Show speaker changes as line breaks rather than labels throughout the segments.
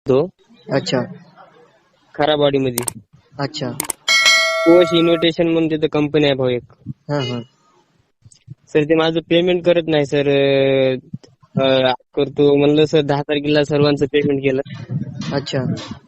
तो
अच्छा
खराबवाडीमध्ये
अच्छा.
कोश इन्व्हिटेशन म्हणून तिथं कंपनी आहे भाऊ एक.
हा हा.
सर ते माझं पेमेंट करत नाही सर. करतो म्हणलं सर 10 तारखेला सर्वांचं पेमेंट केलं.
अच्छा.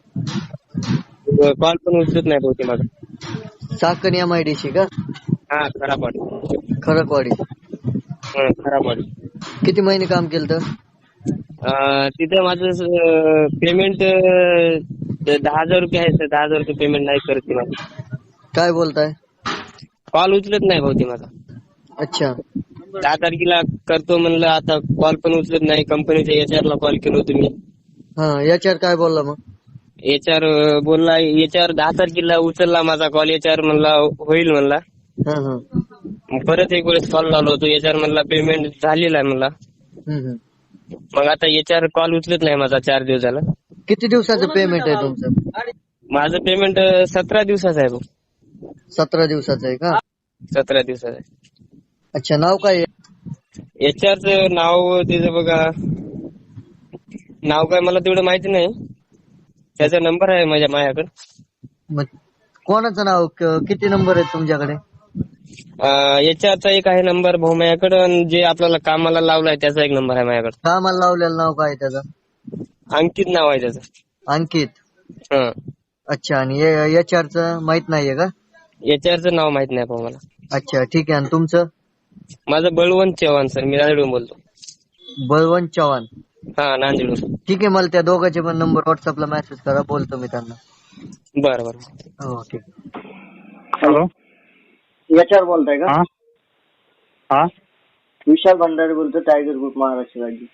कॉल पण उचलत नाही भाऊ ते माझा.
चाकण MIDC का?
हा खराबवाडी.
खरकवाडी.
खराबवाडी.
किती महिने काम केलं तर?
तिथं माझं पेमेंट 10,000 रुपये आहे सर. 10,000 रुपये पेमेंट नाही करत ते माझं.
काय बोलताय?
कॉल उचलत नाही भाऊ ते माझा.
अच्छा
10 तारखेला करतो म्हणलं, आता कॉल पण उचलत नाही. कंपनीच्या HR ला कॉल केलो तुम्ही.
हा. याच्यावर काय बोलला मग?
HR बोलला, HR 10 तारखेला उचलला माझा कॉल. HR म्हणला होईल म्हणला.
हा हा.
मग परत एक वेळेस कॉल लावलो होतो. HR म्हणला पेमेंट झालेला आहे म्हणला.
हम्म.
मग आता HR कॉल उचलत नाही माझा 4 दिवस झाला.
किती दिवसाचं पेमेंट आहे तुमचं?
माझं पेमेंट 17 दिवसाचं आहे भाऊ.
17 दिवसाचं आहे का?
17 दिवसाचं आहे.
अच्छा. नाव काय आहे?
HRचं नाव तिचं बघा, नाव काय मला तेवढं माहिती नाही. त्याचा नंबर आहे माझ्याकडे.
मग कोणाचं नाव? किती नंबर आहे तुमच्याकडे?
HRचा एक आहे नंबर भाऊ माझ्याकडे, आणि जे आपल्याला कामाला लावलाय त्याचा एक नंबर आहे माझ्याकडे.
कामाला लावलेलं नाव काय आहे त्याचं?
अंकित नाव आहे त्याचं.
अंकित.
हा.
अच्छा. आणि HR माहित नाहीये का?
HRचं नाव माहित नाही भाऊ मला.
अच्छा ठीक आहे. आणि तुमचं?
माझं बळवंत चव्हाण सर. मी नांदेडहून बोलतो.
बळवंत चव्हाण.
हा नांदेडहून.
ठीक आहे. मला त्या दोघांचे पण नंबर व्हॉट्सअपला मेसेज करा, बोलतो मी त्यांना.
बरं बरं.
हो ठीक.
हॅलो.
HR बोलताय का?
हा हा.
विशाल भंडारे बोलतो, टाइगर ग्रुप महाराष्ट्र राज्य.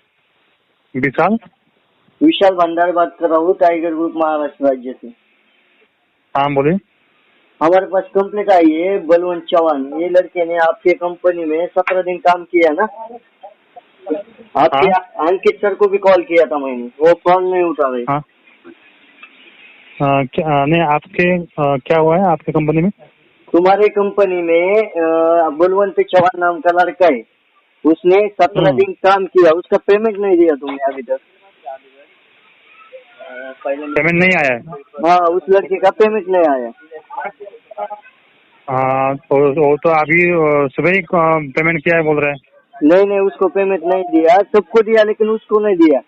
विशाल भंडारे बात कर रहा हूँ, टाइगर ग्रुप महाराष्ट्र राज्य से.
हाँ बोलिए.
हमारे पास कंप्लेंट आई है बलवंत चौहान, ये लड़के ने आपके कंपनी में 17 दिन काम किया ना. आपके अंकित सर को भी कॉल किया था मैंने, वो कॉल नहीं उठा रहे.
हाँ. नहीं आपके क्या हुआ है आपके कंपनी में?
तुम्हारे कंपनी में बलवंत चौहान नाम का लड़का है, उसने 17 दिन काम किया, उसका पेमेंट नहीं दिया तुमने अभी तक.
पेमेंट नहीं आया है?
हाँ, उस लड़के का पेमेंट नहीं आया.
तो अभी सुबह ही पेमेंट किया है बोल रहे हैं.
नहीं, उसको पेमेंट नहीं दिया. सबको दिया लेकिन उसको नहीं दिया.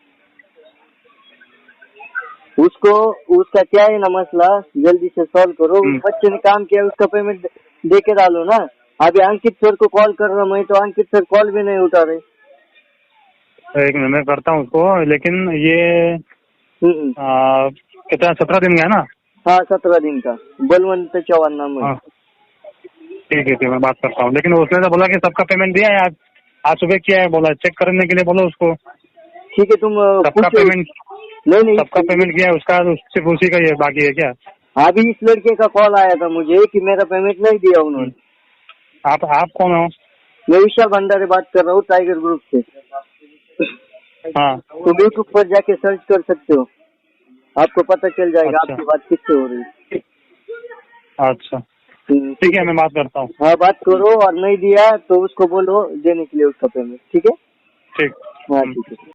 उसका क्या है ना मसला, जल्दी से सॉल्व करो. उस बच्चे ने काम किया, उसका पेमेंट दे के डालो ना. अभी अंकित सर को कॉल कर रहा मैं, तो अंकित सर कॉल भी नहीं उठा रहे.
एक मिनट मैं करता हूँ उसको, लेकिन ये कितना 17 दिन का है ना?
हाँ 17 दिन का. बलवंत चौहान नाम है.
ठीक है मैं बात करता हूँ. लेकिन उसने तो बोला कि सबका पेमेंट दिया है, आज सुबह किया है बोला. चेक करने के लिए बोलो उसको.
ठीक है, तुम
सबका पेमेंट
नहीं
सबका पेमेंट किया है, उसका सिर्फ उसी का ये बाकी है क्या?
अभी इस लड़के का कॉल आया था मुझे कि मेरा पेमेंट नहीं दिया उन्होंने.
आप कौन हो?
मैं विशाल भंडारे बात कर रहा हूँ, टाइगर ग्रुप से.
हाँ.
तुम यूट्यूब पर जाके सर्च कर सकते हो, आपको पता चल जाएगा.
अच्छा.
आपकी बात किससे हो रही है.
अच्छा ठीक है मैं बात करता हूँ.
हाँ बात करो, और नहीं दिया तो उसको बोलो देने के लिए उसका पेमेंट. ठीक है.
ठीक.
हाँ ठीक है.